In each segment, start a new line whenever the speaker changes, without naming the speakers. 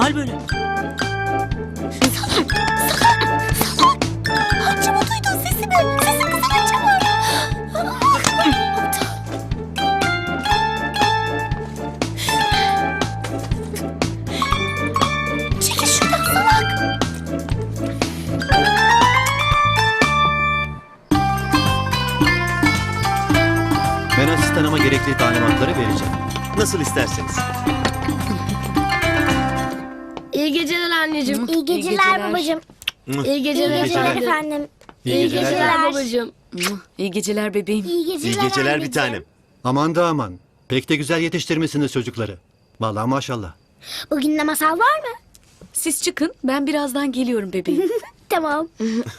hal böyle?
Hacı mı duydun sesimi? Sesin kızın var. Çekil şuradan salak.
Ben asistanıma gerekli talimatları vereceğim.
Nasıl isterseniz.
İyi geceler anneciğim.
İyi geceler babacığım.
İyi geceler,
İyi geceler
efendim.
efendim.
İyi geceler babacığım.
İyi geceler bebeğim.
İyi geceler
İyi geceler bir
anneciğim.
tanem.
Aman da aman. Pek de güzel yetiştirmişsiniz çocukları. Vallahi maşallah.
Bugün de masal var mı?
Siz çıkın, ben birazdan geliyorum bebeğim.
Tamam.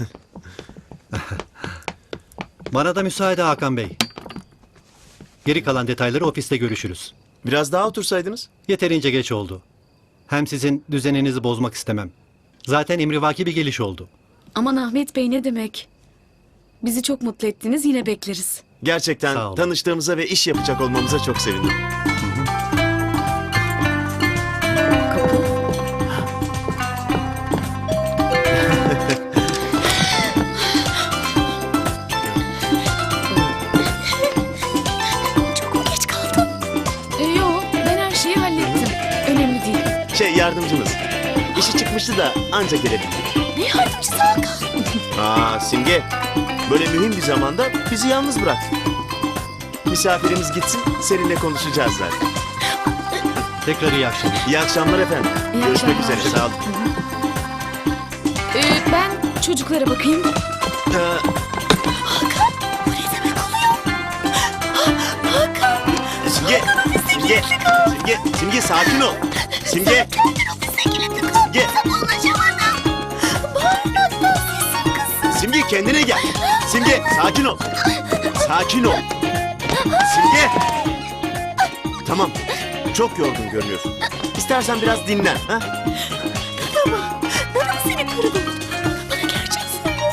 Bana da müsaade Hakan Bey. Geri kalan detayları ofiste görüşürüz.
Biraz daha otursaydınız.
Yeterince geç oldu. Hem sizin düzeninizi bozmak istemem. Zaten emrivaki bir geliş oldu.
Aman Ahmet Bey ne demek? Bizi çok mutlu ettiniz, yine bekleriz.
Gerçekten
Sağ olun.
tanıştığımıza ve iş yapacak olmamıza çok sevindim.
Kapı.
Çok mu geç kaldın?
Yok, ben her şeyi hallettim. Önemli değil.
Yardımcımız. İşi çıkmıştı da anca gelebildik.
Ne yardımcısı Hakan?
Simge. Böyle mühim bir zamanda bizi yalnız bırak. Misafirimiz gitsin, seninle konuşacağız zaten.
Tekrar iyi akşamlar.
İyi akşamlar efendim.
İyi
Görüşmek
akşamlar.
üzere. Sağ olun.
Ben çocuklara bakayım.
Ee,
Bu ne demek oluyor? Hakan.
Simge. Simge. Simge. Simge sakin ol. Simge. Simge.
Ulaşamadım. Bağırmaktan sesim kısıldı.
Simge kendine gel. Simge sakin ol. Sakin ol. Simge. Tamam. Çok yorgun görünüyorsun. İstersen biraz dinlen. Ha?
Nana seni kırdım. Bana gerçek söyle.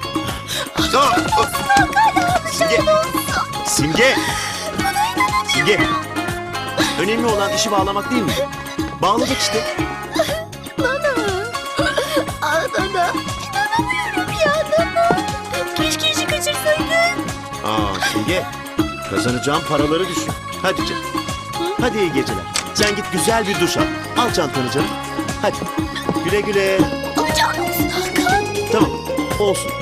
Simge. Simge. Simge. Önemli olan işi bağlamak değil mi? Bağladık işte.
Nana. Nana. İnanamıyorum ya Nana. Keşke işi kaçırsaydın.
Simge. Kazanacağım paraları düşün. Hadi canım. Hadi iyi geceler. Sen git güzel bir duş al. Al çantanı canım. Hadi. Güle güle.
Alacağın olsun Hakan.
Tamam. Olsun.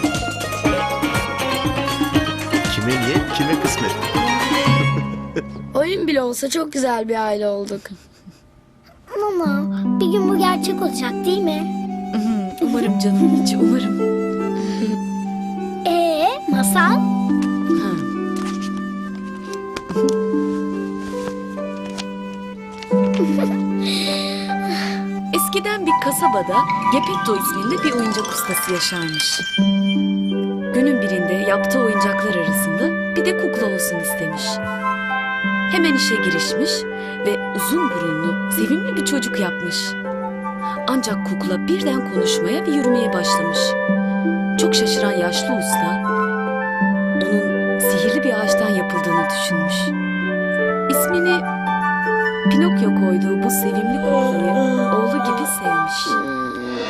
Kime niye? Kime kısmet?
Oyun bile olsa çok güzel bir aile olduk.
Nana bir gün bu gerçek olacak değil mi?
Umarım canım içi, umarım.
Masal?
Eskiden bir kasabada Gepetto isminde bir oyuncak ustası yaşarmış. Günün birinde yaptığı oyuncaklar arasında bir de kukla olsun istemiş. Hemen işe girişmiş ve uzun burunlu, sevimli bir çocuk yapmış. Ancak kukla birden konuşmaya ve yürümeye başlamış. Çok şaşıran yaşlı usta, onun sihirli bir ağaçtan yapıldığını düşünmüş. İsmini Pinokyo koyduğu bu sevimli kuklayı oğlu gibi sevmiş.